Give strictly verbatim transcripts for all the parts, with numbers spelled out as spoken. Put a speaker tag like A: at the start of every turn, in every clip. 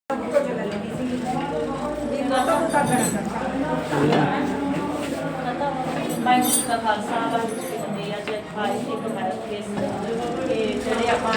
A: ਵਾਹਿਗੁਰੂ ਜੀ ਕਾ ਖਾਲਸਾ ਵਾਹਿਗੁਰੂ ਜੀ ਕੀ ਫਤਿਹ। ਅੱਜ ਅੱਜ ਇੱਕ ਮੈਰਿਜ ਕੇਸ ਕਿ ਜਿਹੜੇ ਆਪਾਂ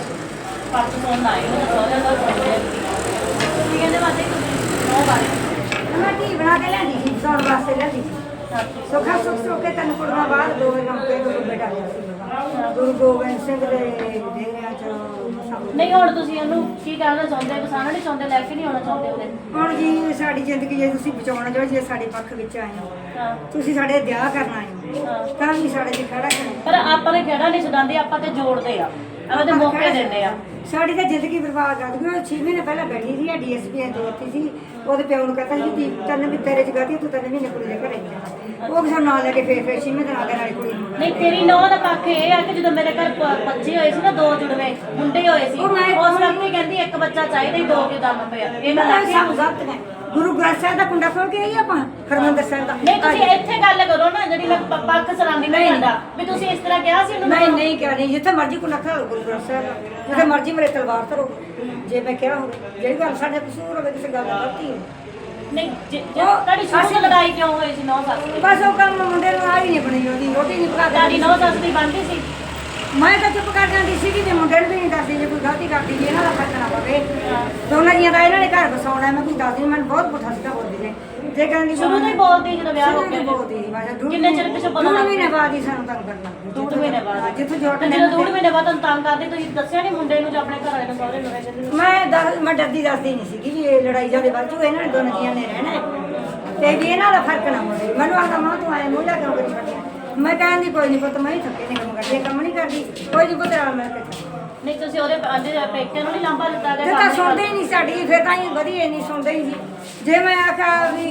A: ਪਰਸ ਤੋਂ ਆਏ ਉਹ ਸਹੁਰਿਆਂ ਦਾ ਸਹੁਰਿਆਂ ਦੀ ਤੁਸੀਂ ਕਹਿੰਦੇ ਵਾਦੇ ਨੌ ਬਾਰੇ
B: ਮੈਂ ਕੀ ਬਣਾ ਕੇ ਲਿਆਂਦੀ ਸੀ ਸੌਣ ਵਾਸਤੇ ਲਿਆਂਦੀ ਸੀ ਸੁੱਖਾ ਸੁੱਖ ਸੁੱਖ ਕੇ ਤੈਨੂੰ ਕੁੜੀਆਂ ਬਾਹਰ ਦੋ ਕੰਮ ਤੇ ਦੋ ਬੇਟਾ ਗੁਰੂ ਗੋਬਿੰਦ ਸਿੰਘ ਦੇ ਡੇਰਿਆਂ ਚ
A: ਨਹੀਂ ਹੁਣ ਤੁਸੀਂ ਉਹਨੂੰ ਕੀ ਕਹਿਣਾ ਚਾਹੁੰਦੇ ਵਸਾਣਾ ਨਹੀਂ ਚਾਹੁੰਦੇ ਲੈ ਕੇ ਨਹੀਂ ਆਉਣਾ ਚਾਹੁੰਦੇ ਉਹਦੇ
B: ਹੁਣ ਜੀ ਸਾਡੀ ਜ਼ਿੰਦਗੀ ਜੇ ਤੁਸੀਂ ਬਚਾਉਣਾ ਚਾਹੋ ਜੇ ਸਾਡੇ ਪੱਖ ਵਿੱਚ ਆਏ ਹੋ
A: ਹਾਂ
B: ਤੁਸੀਂ ਸਾਡੇ ਵਿਆਹ ਕਰਨਾ ਹੈ
A: ਹਾਂ
B: ਤਾਂ ਵੀ ਸਾਡੇ ਤੇ ਖੜਾ ਕਰਨਾ
A: ਪਰ ਆਪਾਂ ਨੇ ਖੇੜਾ ਨਹੀਂ ਛਡਾਉਂਦੇ ਆਪਾਂ ਤੇ ਜੋੜਦੇ ਆ ਆਪਾਂ ਤੇ ਮੌਕੇ ਦਿੰਦੇ ਆ
B: ਸਾਡੀ ਤਾਂ ਜ਼ਿੰਦਗੀ ਬਰਬਾਦ ਕਰ ਦੂਗੀ ਉਹ ਛੇ ਮਹੀਨੇ ਪਹਿਲਾਂ ਬੈਠੀ ਸੀ ਡੀਐਸਪੀ ਦੇ ਉੱਤੇ ਸੀ ਉਹਦੇ ਪਿਓ ਨੂੰ ਕਹਿੰਦਾ ਸੀ ਕਿ ਤੈਨੂੰ ਵੀ ਤੇਰੇ ਚ ਗਾਤੀ ਤੂੰ ਤੈਨੂੰ ਮਹੀਨੇ ਕੁੜੀ ਦੇ ਘਰੇ ਨਹੀਂ ਉਹ ਕਿਸੇ ਨਾਲ ਲੈ ਕੇ ਫੇਰ ਫੇਰ ਛੇ ਮਹੀਨੇ ਨਾਲ ਦੇ ਨਾਲ ਕੁੜੀ ਨੂੰ
A: ਨਹੀਂ ਤੇਰੀ ਨੌਂ ਦਾ ਪੱਖ ਇਹ ਆ ਕਿ ਜਦੋਂ ਮੇਰੇ ਘਰ ਪ- ਬੱਚੇ ਹੋਏ ਸੀ ਨਾ ਦੋ ਜੁੜਵੇਂ ਮੁੰਡੇ ਹੋਏ ਸੀ
B: ਉਹ ਮੈਂ-
A: ਉਸ ਵਕਤ ਹੀ ਕਹਿੰਦੀ ਇੱਕ ਬੱਚਾ ਚਾਹੀਦਾ ਹੀ ਦੋ ਕਿਉਂ ਦਮ ਪਿਆ ਇਹ ਗੱਲ ਆਖੀ
B: ਸਭ ਗਲਤ ਹੈ ਗੁਰੂ ਗ੍ਰੰਥ ਸਾਹਿਬ ਦਾ ਕੁੰਡਾ ਖੋਲ ਕੇ ਆਈ ਆਪਾਂ ਹਰਮੰਦਰ ਸਾਹਿਬ ਦਾ
A: ਨਹੀਂ ਤੁਸੀਂ ਇੱਥੇ ਗੱਲ ਕਰੋ ਨਾ ਜਿਹੜੀ ਲੱਗ ਪ- ਪੱਖ ਸਰਾਂਦੀ ਨਹੀਂ ਜਾਂਦਾ ਵੀ ਤੁਸੀਂ ਇਸ ਤਰ੍ਹਾਂ ਕਿਹਾ ਸੀ ਉਹਨੂੰ
B: ਨਹੀਂ ਨਹੀਂ ਕਿਹਾ ਨਹੀਂ ਜਿੱਥੇ ਮਰਜ਼ੀ ਕੁੰਡਾ ਖਾ ਲਓ ਗੁਰੂ ਗ੍ਰੰਥ ਸਾਹਿਬ ਦਾ ਜਿੱਥੇ ਮਰਜ਼ੀ ਮੇਰੇ ਤਲਵਾਰ ਧਰੋ ਜੇ ਮੈਂ ਕਿਹਾ ਹੋਵੇ ਜਿਹੜੀ ਗੱਲ ਸਾਡੇ ਕਸੂਰ ਹੋਵੇ ਕਿਸੇ ਗੱਲ ਦਾ ਗਲਤੀ ਹੋਵੇ
A: ਨਹੀਂ ਜੇ- ਜੇ ਤੁਹਾਡੀ ਸ਼ੁਰੂ ਤੋਂ ਲੜਾਈ ਕਿਉਂ ਹੋਈ ਸੀ ਨੌ ਸੱਸ ਦੀ
B: ਬਸ ਉਹ ਕੰਮ ਮੁੰਡੇ ਨੂੰ ਆ ਹੀ ਨਹੀਂ ਬਣੀ ਉਹਦੀ ਰੋਟੀ ਨਹੀਂ ਪਕਾ
A: ਤੁਹਾਡੀ
B: ਕੇ
A: ਨੌ ਸੱਸ ਦੀ ਬਣਦੀ ਸੀ
B: ਮੈਂ ਤਾਂ ਚੁੱਪ ਕਰ ਜਾਂਦੀ ਸੀ ਕਿ ਮੁੰਡੇ ਨੂੰ ਵੀ ਨਹੀਂ ਦੱਸਦੀ ਜੇ ਕੋਈ ਗਲਤੀ ਕਰਦੀ ਵੀ ਇਹਨਾਂ ਦਾ ਫਰਕ ਨਾ ਪਵੇ ਦੋਨਾਂ ਜੀਆਂ ਦਾ ਇਹਨਾਂ ਨੇ ਘਰ ਬਸਾਉਣਾ ਮੈਂ ਕੋਈ ਦੱਸਦੀ ਮੈਨੂੰ ਬਹੁਤ ਪੁੱਠਾ ਸਿੱਧਾ ਬੋਲਦੀ ਨੇ ਜੇ ਕਹਿੰਦੀ
A: ਸ਼ੁਰੂ ਤੋਂ ਹੀ ਬੋਲਦੀ ਜਦੋਂ ਵਿਆਹ ਹੋ
B: ਸ਼ੁਰੂ ਤੋਂ
A: ਗਿਆ
B: ਹੀ ਬੋਲਦੀ ਸੀ ਮੈਂ ਕਿਹਾ
A: ਕਿੰਨੇ ਚਿਰ ਪਿੱਛੋਂ ਪਤਾ
B: ਦੋ
A: ਲੱਗ
B: ਮਹੀਨੇ ਬਾਅਦ ਹੀ ਸਾਨੂੰ ਤੰਗ ਕਰਨਾ
A: ਡੂਢ ਮਹੀਨੇ ਬਾਅਦ
B: ਜਿੱਥੋਂ ਜੋਟ
A: ਤੇ ਜਦੋਂ ਡੂਢ ਮਹੀਨੇ ਬਾਅਦ ਤੁਹਾਨੂੰ ਤੰਗ ਕਰਦੇ ਤੁਸੀਂ ਦੱਸਿਆ ਨਹੀਂ ਮੁੰਡੇ ਨੂੰ ਜਾਂ ਆਪਣੇ ਘਰ ਵਾਲੇ ਨੂੰ ਸਹੁਰੇ ਨੂੰ ਕਹਿੰਦੇ
B: ਮੈਂ ਦੱਸ ਮੈਂ ਡਰਦੀ ਦੱਸਦੀ ਨਹੀਂ ਸੀਗੀ ਵੀ ਇਹ ਲੜਾਈ ਜਾਦੇ ਵੱਧ ਜੂ ਇਹਨਾਂ ਨੇ ਦੋਨਾਂ ਜੀਆਂ ਨੇ ਰਹਿਣਾ ਹੈ। ਤੇ ਵੀ ਇਹਨਾਂ ਦਾ ਫਰਕ ਨਾ ਹੋਵੇ ਮੈਨੂੰ ਆਖਦਾ ਮਾਂ ਤੂੰ ਆਏ ਮੂੰਹ ਲਾ ਕੇ ਕਰੀ ਛੱਡਿਆ ਮੈਂ ਕਹਿੰਦੀ ਕੋਈ ਨਹੀਂ ਪੁੱਤ ਮੈਂ ਹੀ ਥੱਕੇ ਨੇ ਕੰਮ ਕਰਦੀ ਕੰਮ ਨਹੀਂ ਕਰਦੀ ਕੋਈ ਨਹੀਂ ਪੁੱਤ ਨਾਲ ਮਿਲ ਕੇ ਚੱਲ।
A: ਨਹੀਂ ਤੁਸੀਂ ਉਹਦੇ ਆਂਦੇ ਪੇਕਿਆਂ ਨੂੰ ਨਹੀਂ ਲਾਂਭਾ ਦਿੱਤਾ
B: ਜੇ
A: ਗਿਆ
B: ਤਾਂ ਸੁਣਦੇ ਹੀ ਨਹੀਂ ਸਾਡੀ ਫਿਰ ਤਾਂ ਹੀ ਵਧੀਆ ਨਹੀਂ ਸੁਣਦੇ ਹੀ ਸੀ ਜੇ ਮੈਂ ਆਖਿਆ ਵੀ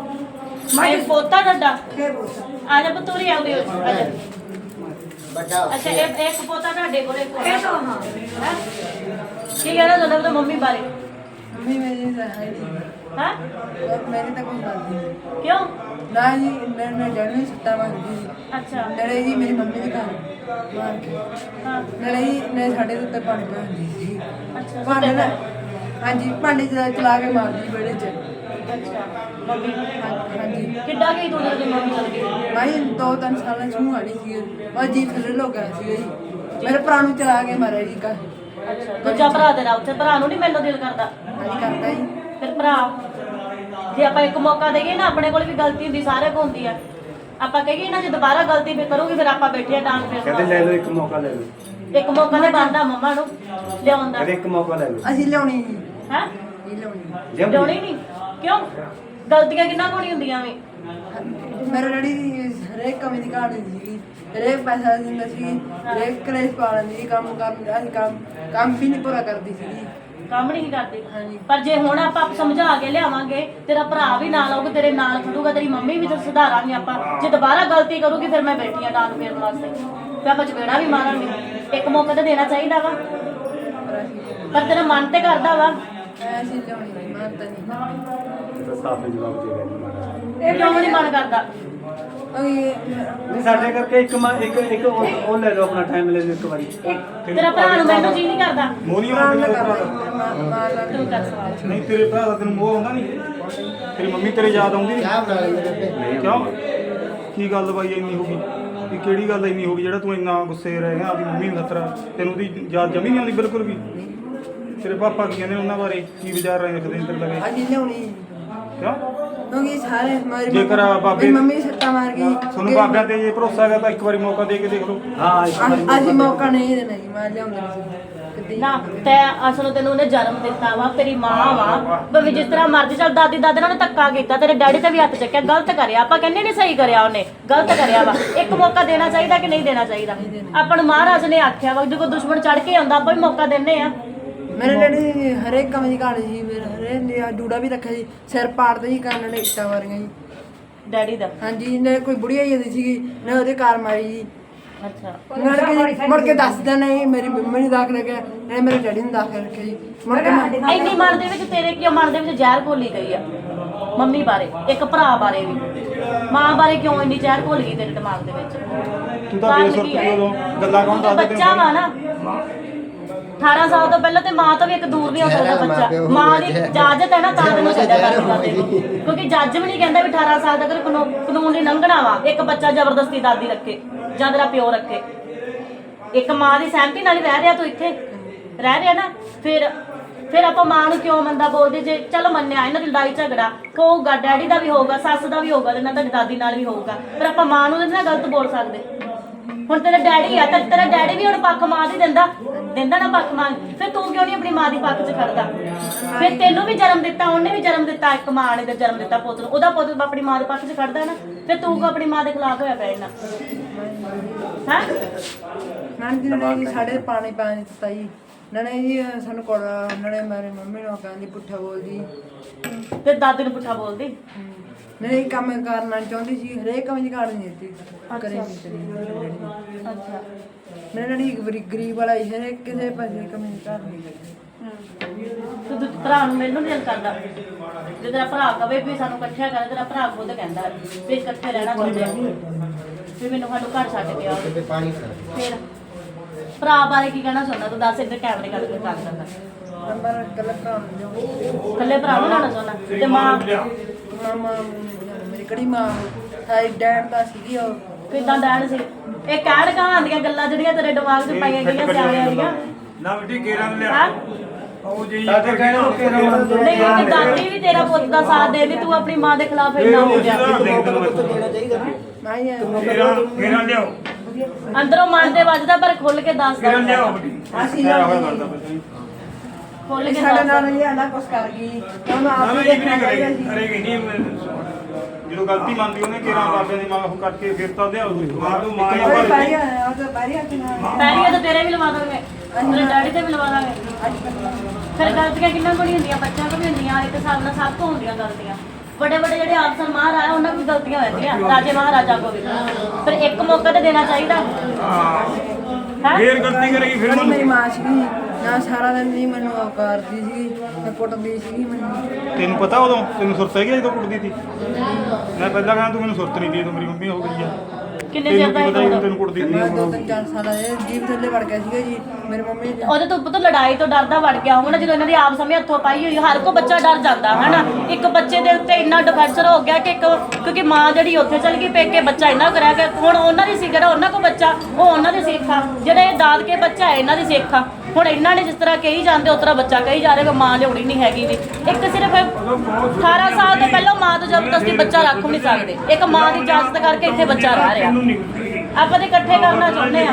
A: ਮੈਂ ਪੋਤਾ ਡੱਡਾ
B: ਫੇਰ ਬੋਲ
A: ਆ ਜਾ ਪਤੂਰੀ ਆਉਂਦੀ ਹੋ ਆ ਜਾ ਅੱਛਾ ਇਹ ਇੱਕ ਪੋਤਾ ਤੁਹਾਡੇ ਕੋਲ ਇੱਕ
B: ਇਹ ਤਾਂ ਹਾਂ
A: ਹੈ ਕੀ ਕਹਿਣਾ ਤੁਹਾਡਾ ਤਾਂ ਮੰਮੀ ਬਾਰੇ
C: ਮੰਮੀ ਮੇਰੀ ਤਾਂ ਹੈ ਨਹੀਂ
A: ਹਾਂ
C: ਮੇਰੀ ਤਾਂ ਕੋਈ ਗੱਲ ਨਹੀਂ
A: ਕਿਉਂ
C: ਨਾ ਜੀ ਮੈਂ ਮੈਂ ਜਨਮ ਸੱਤਾ ਮੰਗਦੀ ਸੀ
A: ਅੱਛਾ
C: ਨੜੇ ਜੀ ਮੇਰੀ ਮੰਮੀ ਦੇ ਘਰ ਮਾਰ ਕੇ
A: ਹਾਂ
C: ਨੜੇ ਜੀ ਨੇ ਸਾਡੇ ਦੇ ਉੱਤੇ ਪਾਣੀ ਪਾਉਂਦੀ ਸੀ
A: ਅੱਛਾ
C: ਭਾਂਡੇ
A: ਸੁੱਤੇ
C: ਦਾ
A: ਪਏ।
C: ਹਾਂਜੀ ਭਾਂਡੇ ਚਲਾ ਚਲਾ ਕੇ ਮਾਰਦੀ ਵਿਹੜੇ 'ਚ
A: ਅੱਛਾ ਮੰਮੀ
C: ਹਾਂ- ਹਾਂਜੀ
A: ਕਿੱਡਾ ਗਈ ਤੂੰ ਜਦੋਂ ਮੰਮੀ ਚਲ ਗਈ
C: ਮੈਂ ਦੋ ਤਿੰਨ ਸਾਲਾਂ ਛੂ ਆਣੀ ਸੀ ਉਹ ਜੀ ਥੱਲੇ ਹੋ ਗਿਆ ਸੀ ਜੀ ਮੇਰੇ ਭਰਾ ਨੂੰ ਚਲਾ ਕੇ ਮਾਰਿਆ ਜੀ ਕਾ
A: ਅੱਛਾ ਦੂਜਾ ਭਰਾ ਤੇਰਾ ਉੱਥੇ ਭਰਾ ਨੂੰ ਨਹੀਂ ਮੈਨੂੰ ਦਿਲ ਕਰਦਾ
C: ਹਾਂਜੀ ਕਰਦਾ ਜੀ
A: ਫਿਰ ਭਰਾ ਜੇ ਆਪਾਂ ਇੱਕ ਮੌਕਾ ਦੇਈਏ ਨਾ ਆਪਣੇ ਕੋਲ ਵੀ ਗਲਤੀ ਹੁੰਦੀ ਸਾਰੇ ਕੋਲ ਹੁੰਦੀ ਆ ਆਪਾਂ ਕਹੀਏ ਨਾ ਜੇ ਦੁਬਾਰਾ ਗਲਤੀ ਵੀ ਕਰੂਗੀ ਫਿਰ ਆਪਾਂ ਬੈਠੇ ਆ ਡਾਂਗ ਫਿਰ
D: ਕਹਿੰਦੇ ਲੈ ਲਓ ਇੱਕ ਮੌਕਾ ਲੈ ਲਓ
A: ਇੱਕ ਮੌਕਾ ਨਹੀਂ ਬਣਦਾ ਮੰਮਾ ਨੂੰ ਲਿਆਉਣ ਦਾ
D: ਕਹਿੰਦੇ ਇੱਕ ਮੌਕਾ ਲੈ ਲਓ
C: ਅਸੀਂ ਲਿਆਉਣੀ ਨਹੀਂ
A: ਹੈ
C: ਇਹ ਲਿਆਉਣੀ
D: ਜੇ
A: ਲਿਆਉਣੀ ਨਹੀਂ ਕਿਉਂ ਗਲਤੀਆਂ ਕਿੰਨਾ ਕੋਣੀ ਹੁੰਦੀਆਂ ਵੇ
C: ਮੇਰੇ ਡੈਡੀ ਦੀ ਹਰੇਕ ਕਮੀ ਦੀ ਕਹਾਣੀ ਸੀਗੀ ਹਰੇਕ ਪੈਸਾ ਦਿੰਦਾ ਸੀ ਹਰੇਕ ਕਲੇਸ਼ ਪਾ ਲੈਂਦੀ ਸੀ ਕੰਮ ਕਰਨ ਅਸੀਂ ਕੰਮ ਕੰਮ ਵੀ ਨਹੀਂ ਪੂਰਾ ਕਰਦੀ ਸੀਗੀ
A: ਕੰਮ ਨਹੀਂ ਕਰਦੇ
C: ਹਾਂਜੀ।
A: ਪਰ ਜੇ ਹੁਣ ਆਪਾਂ ਸਮਝਾ ਕੇ ਲਿਆਵਾਂਗੇ ਤੇਰਾ ਭਰਾ ਵੀ ਨਾਲ ਆਊਗਾ ਤੇਰੇ ਨਾਲ ਖੜੂਗਾ ਤੇਰੀ ਮੰਮੀ ਵੀ ਤੇ ਸੁਧਾਰਾਂਗੇ ਆਪਾਂ ਜੇ ਦੁਬਾਰਾ ਗਲਤੀ ਕਰੂਗੀ ਫਿਰ ਮੈਂ ਬੈਠੀ ਆ ਡਾਂਗ ਫੇਰਨ ਵਾਸਤੇ ਫਿਰ ਆਪਾਂ ਚਪੇੜਾ ਵੀ ਮਾਰਾਂਗੇ ਇੱਕ ਮੌਕਾ ਤਾਂ ਦੇਣਾ ਚਾਹੀਦਾ ਵਾ
C: ਪਰ ਅਸੀਂ
A: ਪਰ ਤੇਰਾ ਮਨ ਤੇ ਕਰਦਾ ਵਾ
C: ਅਸੀਂ ਲਿਆਉਣੀ ਨਹੀਂ ਮੰਨਦਾ ਨਹੀਂ
D: ਤਾਂ ਸਾਫ ਜਵਾਬ ਦੇ ਰਹੇ ਨੇ
A: ਇਹ ਕਿਉਂ ਨਹੀਂ ਮਨ ਕਰਦਾ
D: ਨਹੀਂ ਸਾਡੇ ਕਰਕੇ ਇੱਕ ਮ- ਇੱਕ ਇੱਕ ਉਹ ਉਹ ਲੈ ਲਓ ਆਪਣਾ ਟਾਈਮ ਲੈ ਲਓ ਇੱਕ ਵਾਰੀ
A: ਤੇਰਾ ਭਰਾ ਨੂੰ ਮੈਨੂੰ ਜੀ ਨਹੀਂ ਕਰਦਾ
E: ਮੋਨੀਆ
C: ਮਾਰ
E: ਤੇਰੇ
C: ਨਾ
E: ਭਰਾ
C: ਕਰ
E: ਦਾ
A: ਤੂੰ ਕਰ ਸਵਾਲ
E: ਨਹੀਂ ਤੇਰੇ ਭਰਾ ਦਾ ਤੈਨੂੰ ਮੋਹ ਆਉਂਦਾ ਨਹੀਂ ਤੇਰੀ ਮੰਮੀ ਤੇਰੇ ਯਾਦ ਆਉਂਦੀ ਨਹੀਂ ਕਿਉਂ ਕੀ ਗੱਲ ਬਾਈ ਇੰਨੀ ਹੋ ਗਈ ਕਿ ਕਿਹੜੀ ਗੱਲ ਇੰਨੀ ਹੋ ਗਈ ਜਿਹੜਾ ਤੂੰ ਇੰਨਾ ਗੁੱਸੇ ਰਹਿ ਗਿਆ ਆਪਣੀ ਮੰਮੀ ਨੂੰ ਖਤਰਾ ਤੈਨੂੰ ਦੀ ਯਾਦ ਜਮੀ ਨਹੀਂ ਆਉਂਦੀ ਬਿਲਕੁਲ ਵੀ ਤੇਰੇ ਪਾਪਾ ਕੀ ਕਹਿੰਦੇ ਉਹਨਾਂ ਬਾਰੇ ਕੀ ਵਿਚਾਰ ਰਹੇ ਰੱਖਦੇ ਨੇ ਤੇਰੇ ਲਗੇ
C: ਅਸੀਂ ਲਿਆਉਣੀ
E: ਕਿਉਂ
C: ਕਿਉਂਕਿ ਸਾਰੇ ਮਾਰੀ
E: ਜੇਕਰ ਬਾਬੇ-
C: ਮੇਰੀ ਮੰਮੀ ਸੱਟਾ ਮਾਰ ਗਈ
E: ਤੁਹਾਨੂੰ ਬਾਬਿਆਂ ਤੇ ਜੇ ਭਰੋਸਾ ਹੈਗਾ ਤਾਂ ਇੱਕ ਵਾਰੀ ਮੌਕਾ ਦੇ ਕੇ ਦੇਖ ਲਓ
D: ਹਾਂ ਇੱਕ ਵਾਰੀ
C: ਅ- ਅਸੀਂ ਮੌਕਾ ਨਹੀਂ ਦੇਣਾ ਜੀ ਮੈਂ ਲਿਆਉਂਦਾ ਨਹੀਂ
A: ਨਾ ਤੈ ਅਸਲ ਤੈਨੂੰ ਉਹਨੇ ਜਨਮ ਦਿੱਤਾ ਵਾ ਤੇਰੀ ਮਾਂ ਵਾ ਭਾਵੇਂ ਜਿਸ ਤਰ੍ਹਾਂ ਮਰਜ਼ੀ ਚੱਲ ਦਾਦੀ ਦਾਦੇ ਨਾਲ ਉਹਨੇ ਧੱਕਾ ਕੀਤਾ ਤੇਰੇ ਡੈਡੀ ਤੇ ਵੀ ਹੱਥ ਚੱਕਿਆ ਗਲਤ ਕਰਿਆ ਆਪਾਂ ਕਹਿੰਦੇ ਨਹੀਂ ਸਹੀ ਕਰਿਆ ਉਹਨੇ ਗਲਤ ਕਰਿਆ ਵਾ ਇੱਕ ਮੌਕਾ ਦੇਣਾ ਚਾਹੀਦਾ ਕਿ ਨਹੀਂ ਦੇਣਾ ਚਾਹੀਦਾ ਆਪਾਂ ਨੂੰ ਮਹਾਰਾਜ ਨੇ ਆਖਿਆ ਵਾ ਜੇ ਕੋਈ ਦੁਸ਼ਮਣ ਚੜ ਕੇ ਆਉਂਦਾ ਆਪਾਂ ਵੀ ਮੌਕਾ ਦਿੰਨੇ ਆ
C: ਮੇਰੇ ਡੈਡੀ ਹਰੇਕ ਕੰਮ ਦੀ ਕਹਾਣੀ ਸੀ ਮੇਰੇ ਹਰੇਕ ਨੇ ਆਹ ਜੂੜਾ ਵੀ ਰੱਖਿਆ ਸੀ ਸਿਰ ਪਾੜਦੇ ਸੀ ਕੰਨ ਨੇ ਇੱਟਾਂ ਮਾਰੀਆਂ ਜੀ
A: ਡੈਡੀ ਦਾ
C: ਹਾਂਜੀ ਨੇ ਕੋਈ ਬੁੜੀਆ ਜਾਂਦੀ ਸੀਗੀ ਨੇ ਉਹਦੇ ਕਾਰ ਮਾਰੀ ਜੀ
A: ਅੱਛਾ
C: ਮੁੜ ਕੇ ਮੁੜ ਕੇ ਦੱਸਦਾ ਨਹੀਂ ਮੇਰੀ ਮੰਮੀ ਨੇ ਦਾਖਲ ਰੱਖਿਆ ਨਹੀਂ ਮੇਰੇ ਡੈਡੀ ਨੇ ਦਾਖਲ ਰੱਖਿਆ ਜੀ ਮੁੜ ਕੇ ਮੈਂ
A: ਇੰਨੀ ਮਨ ਦੇ ਵਿੱਚ ਤੇਰੇ ਕਿਉਂ ਮਨ ਦੇ ਵਿੱਚ ਜ਼ਹਿਰ ਘੋਲੀ ਗਈ ਆ ਮੰਮੀ ਬਾਰੇ ਇੱਕ ਭਰਾ ਬਾਰੇ ਵੀ ਮਾਂ ਬਾਰੇ ਕਿਉਂ ਇੰਨੀ ਜ਼ਹਿਰ ਘੋਲ ਗਈ ਤੇਰੇ ਦਿਮਾਗ ਦੇ ਵਿੱਚ
E: ਤੂੰ ਤਾਂ ਬੇਸੁਰਤ ਉਦੋਂ ਗੱਲਾਂ ਕੌਣ ਦੱਸਦਾ
A: ਬੱਚਾ ਵਾ ਨਾ ਅਠਾਰਾਂ ਸਾਲ ਤੋਂ ਪਹਿਲਾਂ ਤੇ ਮਾਂ ਤੋਂ ਵੀ ਇੱਕ ਦੂਰ ਨਹੀਂ ਹੋ ਸਕਦਾ ਬੱਚਾ। ਮਾਂ ਦੀ ਇਜਾਜ਼ਤ ਹੈ ਨਾ ਤਾਂ ਤੈਨੂੰ ਛੱਡਿਆ ਦਾਦੀ ਦਾਦੇ ਨੂੰ, ਕਿਉਂਕਿ ਜੱਜ ਵੀ ਨਹੀਂ ਕਹਿੰਦਾ ਵੀ ਅਠਾਰਾਂ ਸਾਲ ਤੱਕ ਕਾਨੂੰਨ ਕਾਨੂੰਨ ਨਹੀਂ ਲੰਘਣਾ ਵਾ ਇੱਕ ਬੱਚਾ ਜ਼ਬਰਦਸਤੀ ਦਾਦੀ ਰੱਖੇ ਜਾਂ ਤੇਰਾ ਪਿਓ ਰੱਖੇ। ਇੱਕ ਮਾਂ ਦੀ ਸਹਿਮਤੀ ਨਾਲ ਹੀ ਰਹਿ ਰਿਹਾ ਤੂੰ ਇੱਥੇ ਰਹਿ ਰਿਹਾ ਨਾ। ਫਿਰ ਫਿਰ ਆਪਾਂ ਮਾਂ ਨੂੰ ਕਿਉਂ ਮੰਦਾ ਬੋਲਦੇ? ਜੇ ਚਲੋ ਮੰਨਿਆ ਇਹਨਾਂ ਦੀ ਲੜਾਈ ਝਗੜਾ ਹੋਊਗਾ, ਡੈਡੀ ਦਾ ਵੀ ਹੋਊਗਾ, ਸੱਸ ਦਾ ਵੀ ਹੋਊਗਾ, ਤੇ ਨਾਲ ਤੁਹਾਡੀ ਦਾਦੀ ਨਾਲ ਵੀ ਹੋਊਗਾ, ਪਰ ਆਪਾਂ ਮਾਂ ਨੂੰ ਨਾ ਗਲਤ ਬੋਲ ਸਕਦੇ। ਹੁਣ ਤੇਰਾ ਡੈਡੀ ਆ ਤਾਂ ਤੇਰਾ ਡੈਡੀ ਵੀ ਹੁਣ ਪੱਖ ਮਾਂ ਦੀ ਦਿੰਦਾ ਦਿੰਦਾ ਨਾ ਪੱਖ ਮਾਂ, ਫਿਰ ਤੂੰ ਕਿਉਂ ਨਹੀਂ ਆਪਣੀ ਮਾਂ ਦੀ ਪੱਖ 'ਚ ਖੜਦਾ? ਫਿਰ ਤੈਨੂੰ ਵੀ ਜਨਮ ਦਿੱਤਾ, ਉਹਨੇ ਵੀ ਜਨਮ ਦਿੱਤਾ, ਇੱਕ ਮਾਂ ਨੇ ਜਨਮ ਦਿੱਤਾ ਪੁੱਤ ਨੂੰ, ਉਹਦਾ ਪੁੱਤ ਆਪਣੀ ਮਾਂ ਦੇ ਪੱਖ 'ਚ ਖੜਦਾ ਨਾ, ਫਿਰ ਤੂੰ ਕਿਉਂ ਆਪਣੀ ਮਾਂ ਦੇ ਖਿਲਾਫ ਹੋਇਆ ਪਿਆ ਇਹਨਾਂ? ਹਾਂ
C: ਨਾਨੀ ਜੀ ਨੇ ਜੀ ਸਾਡੇ ਪਾਣੀ ਪਾਣੀ ਦਿੱਤਾ ਜੀ। ਨਾਲੇ ਜੀ ਸਾਨੂੰ ਕੋੜਾ ਨਾਲੇ ਮੇਰੇ ਮੰਮੀ ਨੂੰ ਕਹਿੰਦੀ ਪੁੱਠਾ ਬੋਲਦੀ
A: ਤੇ ਦਾਦੀ ਨੂੰ ਪੁੱਠਾ ਬੋਲਦੀ।
C: ਨਹੀਂ ਕੰਮ ਕਰਨਾ ਚਾਹੁੰਦੀ ਸੀ, ਹਰੇਕ ਕੰਮ ਦੀ ਕਾੜ ਨਹੀਂ ਦਿੱਤੀ ਕਰੇ ਨਹੀਂ ਕਰੀ।
A: ਅੱਛਾ
C: ਮੇਰੇ ਨਾਲ ਇੱਕ ਗਰੀ- ਗਰੀਬ ਵਾਲਾ ਹੀ ਹਰੇਕ ਕਿਸੇ ਪਾਸੇ ਕੰਮ ਨਹੀਂ ਕਰ ਨਹੀਂ।
A: ਤੂੰ ਤੂੰ ਭਰਾ ਨੂੰ ਮੈਨੂੰ ਨਹੀਂ ਕਰਦਾ। ਜੇ ਤੇਰਾ ਭਰਾ ਕਵੇ ਵੀ ਸਾਨੂੰ ਇਕੱਠਿਆ ਕਰ, ਤੇਰਾ ਭਰਾ ਖੁਦ ਕਹਿੰਦਾ ਵੀ ਇਕੱਠੇ ਰਹਿਣਾ ਚਾਹੁੰਦੇ ਆ, ਵੀ ਮੈਨੂੰ ਸਾਨੂੰ ਘਰ ਛੱਡ ਕੇ ਆਓ। ਫਿਰ ਭਰਾ ਬਾਰੇ ਕੀ ਕਹਿਣਾ ਚਾਹੁੰਦਾ ਤੂੰ? ਦੱਸ, ਇੱਧਰ ਕੈਮਰੇ ਕੱਢ ਕੇ ਗੱਲ ਕਰਦਾ।
C: ਨੰਬਰ ਕੱਲ ਭਰਾ ਨੂੰ ਦਿਓ।
A: ਇਕੱਲੇ ਭਰਾ ਨੂੰ ਲੈਣਾ ਚਾਹੁੰਦਾ ਤੇ ਮਾਂ
C: ਮਾਮਾ ਮੇਰੀ ਕੜੀ ਮਾਂ ਸਾਈ ਡੈਡ ਦਾ ਸੀਗੀ ਉਹ।
A: ਕਿੱਦਾਂ ਡੈਣ ਸੀ? ਇਹ ਕਹਿਣ ਕਹਾਣ ਦੀਆਂ ਗੱਲਾਂ ਜਿਹੜੀਆਂ ਤੇਰੇ ਦਿਮਾਗ 'ਚ ਪਾਈਆਂ ਗਈਆਂ ਸਿਆਣਿਆਂ ਦੀਆਂ।
E: ਨਾ ਬੇਟੀ ਕੇਰਾਂ ਲਿਆ
A: ਹਾਂ
E: ਉਹ ਜੀ
D: ਸਾਡੇ ਕਹਿਣਾ ਉਹ ਕੇਰਾਂ ਮੰਨਦੇ
A: ਨਹੀਂ, ਤੇ ਦਾਦੀ ਵੀ ਤੇਰਾ ਪੁੱਤ ਦਾ ਸਾਥ ਦੇਦੀ, ਤੂੰ ਆਪਣੀ ਮਾਂ ਦੇ ਖਿਲਾਫ ਇੰਨਾ ਹੋ ਗਿਆ।
C: ਮੈਂ ਹੀ
E: ਕੇਰਾਂ ਕੇਰਾਂ ਲਿਆਓ
A: ਅੰਦਰੋਂ ਮਨ ਤੇ ਵੱਜਦਾ ਪਰ ਖੁੱਲ ਕੇ ਦੱਸ
E: ਕੇਰਾਂ ਲਿਆਓ
A: ਦੇ।
E: ਬੇਟੀ ਅਸੀਂ ਹੋਇਆ ਕਰਦਾ ਬੱਚਾ
A: ਖੁੱਲ ਕੇ
C: ਸਾਡੇ
A: ਦੱਸ।
C: ਨਾਲ ਇਹ ਆਂਦਾ ਕੁਛ ਕਰ ਗਈ ਉਹਨੂੰ ਆਪ
E: ਨਾ
C: ਹੀ
E: ਜੀ ਵੀ
C: ਦੇਖਣਾ
E: ਨਹੀਂ
C: ਚਾਹੀਦਾ
E: ਕਰੇਗੀ
C: ਸੀ।
E: ਕਰੇਗੀ ਨਹੀਂ। ਜਦੋਂ ਗਲਤੀ ਮੰਨਦੀ ਉਹਨੇ ਕੇਰਾਂ ਬਾਬੇ ਦੀ ਮਾਂ ਉਹ ਕਰਕੇ ਫਿਰ ਤਾਂ ਲਿਆਓ ਮਾਂ ਨੂੰ ਮਾਂ ਹੀ
C: ਉਹ
E: ਭਰ
C: ਬਾਰੀ
E: ਦਿੱਤੀ।
C: ਆ ਉਹ ਤਾਂ ਬਾਰੀ ਆ ਕਿ ਨਾ
A: ਪੈਰੀਆਂ ਤਾਂ ਤੇਰੇ ਵੀ ਲਵਾ ਦਾਂਗੇ, ਤੇਰੇ ਡੈਡੀ ਤੇ ਵੀ ਲਵਾ ਦਾਂਗੇ। ਫਿਰ ਗਲਤੀਆਂ ਕਿੰਨਾਂ ਕੋਲ ਹੁੰਦੀਆਂ? ਬੱਚਿਆਂ ਕੋਲ ਵੀ ਹੁੰਦੀਆਂ, ਇੱਕ ਹਿਸਾਬ ਨਾਲ ਸਭ ਤੋਂ ਹੁੰਦੀਆਂ ਗਲਤੀਆਂ। ਵੱਡੇ ਵੱਡੇ ਜਿਹੜੇ ਆਫਸਰ ਮਹਾਰਾਜ ਉਹਨਾਂ ਕੋਲ ਵੀ ਗਲਤੀਆਂ ਹੋ ਜਾਂਦੀਆਂ, ਰਾਜੇ ਮਹਾਰਾਜਾ ਕੋਲ ਵੀ। ਫਿਰ ਇੱਕ ਮੌਕਾ ਤੇ ਦੇਣਾ ਚਾਹੀਦਾ।
E: ਹਾਂ ਫੇਰ ਗਲਤੀ ਕਰੇਗੀ ਫਿਰ
C: ਮੇਰੀ
E: ਉਹਨੂੰ
C: ਮਾਂ ਸੀਗੀ ਨਾ ਸਾਰਾ ਦਿਨ ਨਹੀਂ ਮੈਨੂੰ ਉਹ ਕਰਦੀ ਸੀਗੀ, ਮੈਂ ਕੁੱਟਦੀ ਸੀਗੀ ਮੈਨੂੰ।
E: ਤੈਨੂੰ ਪਤਾ ਉਦੋਂ ਤੈਨੂੰ ਸੁਰਤ ਹੈਗੀ ਜਦੋਂ ਕੁੱਟਦੀ ਸੀ? ਮੈਂ ਪਹਿਲਾਂ ਕਹਿੰਦਾ ਤੂੰ ਮੈਨੂੰ ਸੁਰਤ ਨਹੀਂ ਦੀ, ਤੂੰ ਮੇਰੀ ਮੰਮੀ ਹੋ ਗਈ ਆ।
A: ਕਿੰਨੇ ਚਿਰ ਦਾ
E: ਤੈਨੂੰ ਪਤਾ
A: ਇਹ
E: ਹੀ ਤੈਨੂੰ ਕੁੱਟਦੀ
C: ਮੈਂ
E: ਸੀ
C: ਦੋ ਤਿੰਨ ਚਾਰ ਸਾਲ ਆਏ ਜੀਭ ਥੱਲੇ ਵੜ ਗਿਆ ਸੀਗਾ ਜੀ ਮੇਰੇ ਮੰਮੀ ਨੇ।
A: ਉਹਦੇ ਤੋਂ ਪੁੱਤ ਲੜਾਈ ਤੋਂ ਡਰਦਾ ਵੜ ਗਿਆ ਹੋਊਗਾ ਨਾ, ਜਦੋਂ ਇਹਨਾਂ ਦੀ ਆਪ ਸਮੇਂ ਹੱਥੋਂ ਪਾਈ ਹੋਈ। ਹਰ ਕੋ ਬੱਚਾ ਡਰ ਜਾਂਦਾ ਹੈ ਨਾ। ਇੱਕ ਬੱਚੇ ਦੇ ਉੱਤੇ ਇੰਨਾ ਡਿਫੈਂਸਰ ਹੋ ਗਿਆ ਕਿ ਇੱਕ ਕਿਉਂਕਿ ਮਾਂ ਜਿਹੜੀ ਉੱਥੇ ਚਲ ਗਈ ਪੇਕੇ, ਬੱਚਾ ਇੰਨਾ ਕਰਿਆ ਕਿ ਹੁਣ ਉਹਨਾਂ ਦੀ ਸੀ ਜਿਹੜਾ ਉਹਨਾਂ ਕੋ ਬੱਚਾ ਉਹ ਉਹਨਾਂ ਦੀ ਸਿੱਖਾ, ਜਿਹੜੇ ਇਹ ਦਾਦਕੇ ਬੱਚਾ ਹੈ ਇਹਨਾਂ ਦੀ ਸਿੱਖਾ। ਹੁਣ ਇਹਨਾਂ ਨੇ ਜਿਸ ਤਰ੍ਹਾਂ ਕਹੀ ਜਾਂਦੇ ਉਸ ਤਰ੍ਹਾਂ ਬੱਚਾ ਕਹੀ ਜਾ ਰਿਹਾ ਕਿ ਮਾਂ ਲਿਆਉਣੀ ਨਹੀਂ ਹੈਗੀ ਵੀ। ਇੱਕ ਸਿਰਫ ਅਠਾਰਾਂ ਸਾਲ ਤੋਂ ਪਹਿਲਾਂ ਮਾਂ ਤੋਂ ਜ਼ਬਰਦਸਤੀ ਬੱਚਾ ਰੱਖ ਨਹੀਂ ਸਕਦੇ। ਇੱਕ ਮਾਂ ਦੀ ਇਜਾਜ਼ਤ ਕਰਕੇ ਇੱਥੇ ਬੱਚਾ ਰਹਿ ਰਿਹਾ। ਆਪਾਂ ਤੇ ਇਕੱਠੇ ਕਰਨਾ ਚਾਹੁੰਦੇ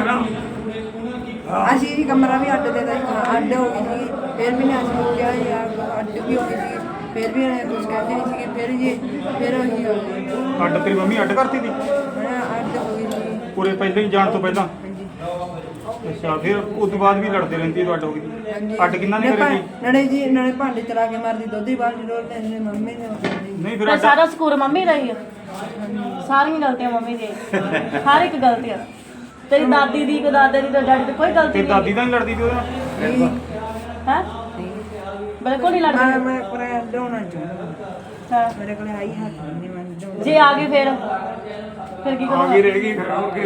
A: ਆ।
C: ਅਸੀਂ ਜੀ ਕਮਰਾ ਵੀ ਅੱਡ ਦੇ ਦਿੱਤਾ, ਅੱਡ ਹੋ ਗਈ ਸੀ। ਫਿਰ ਵੀ ਨੇ ਅਸੀਂ ਕਿਹਾ ਯਾਰ ਅੱਡ ਵੀ ਹੋ ਗਈ ਸੀ, ਫਿਰ ਵੀ ਇਹਨੇ ਕੁਝ ਕਹਿੰਦੇ ਨਹੀਂ ਸੀਗੇ। ਫਿਰ ਜੀ ਫਿਰ ਉਹੀ ਹੋ ਗਈ
E: ਅੱਡ ਤੇਰੀ ਮੰਮੀ ਅੱਡ ਕਰਤੀ ਸੀ
C: ਅੱਡ ਹੋ ਗਈ ਸੀ।
E: ਪੂਰੇ ਪਹਿਲਾਂ ਹੀ ਜਾਣ ਤੋਂ ਪਹਿਲਾਂ?
C: ਹਾਂਜੀ
E: ਅੱਛਾ ਫਿਰ ਉਸ ਤੋਂ ਬਾਅਦ ਵੀ ਲੜਦੇ ਰਹਿੰਦੀ ਤੂੰ ਅੱਡ ਹੋ ਗਈ?
C: ਹਾਂਜੀ
E: ਅੱਡ ਕਿੰਨਾ ਨੇ ਕਰੀ?
C: ਨੜੇ ਜੀ ਨਾਲੇ ਭਾਂਡੇ ਚਲਾ ਕੇ ਮਾਰਦੀ, ਦੁੱਧ ਹੀ ਬਾਹਰ ਡੋਲਦੇ ਨੇ ਮੰਮੀ ਨੇ ਉਹ ਕਰਦੀ।
E: ਨਹੀਂ ਫਿਰ
A: ਤੇ
E: ਅੱਡ
A: ਸਾਰਾ ਸਕੂਰ ਮੰਮੀ ਰਹੀ ਆ। ਸਾਰੀਆਂ ਗਲਤੀਆਂ ਮੰਮੀ ਦੀਆਂ, ਹਰ ਇੱਕ ਗਲਤੀ ਆ। ਤੇਰੀ ਦਾਦੀ ਦੀ, ਕੋ ਦਾਦੇ ਦੀ, ਤੇ ਡੈਡੀ ਦੀ ਕੋਈ ਗਲਤੀ
E: ਤੇ
A: ਨਹੀਂ।
E: ਦਾਦੀ ਤਾਂ ਨਹੀਂ ਲੜਦੀ ਸੀ ਉਹਦੇ ਨਾਲ?
C: ਨਹੀਂ
A: ਹੈ ਬਿਲਕੁਲ ਨਹੀਂ
C: ਮੈਂ
A: ਲੜਦੀ।
C: ਮੈਂ ਪਰ ਲਿਆਉਣਾ ਚਾਹੁੰਦਾ,
A: ਹਾਂ।
C: ਮੇਰੇ ਕੋਲ ਆਈ ਹੱਥ ਨਹੀਂ ਮੈਂ ਲਿਆਉਣਾ।
A: ਜੇ ਆ ਗਈ ਫਿਰ ਫਿਰ ਕੀ
E: ਆ
A: ਕਰੂੰਗਾ?
E: ਗਈ ਰਹਿ ਗਈ ਫਿਰ ਹੋਰ ਕੀ।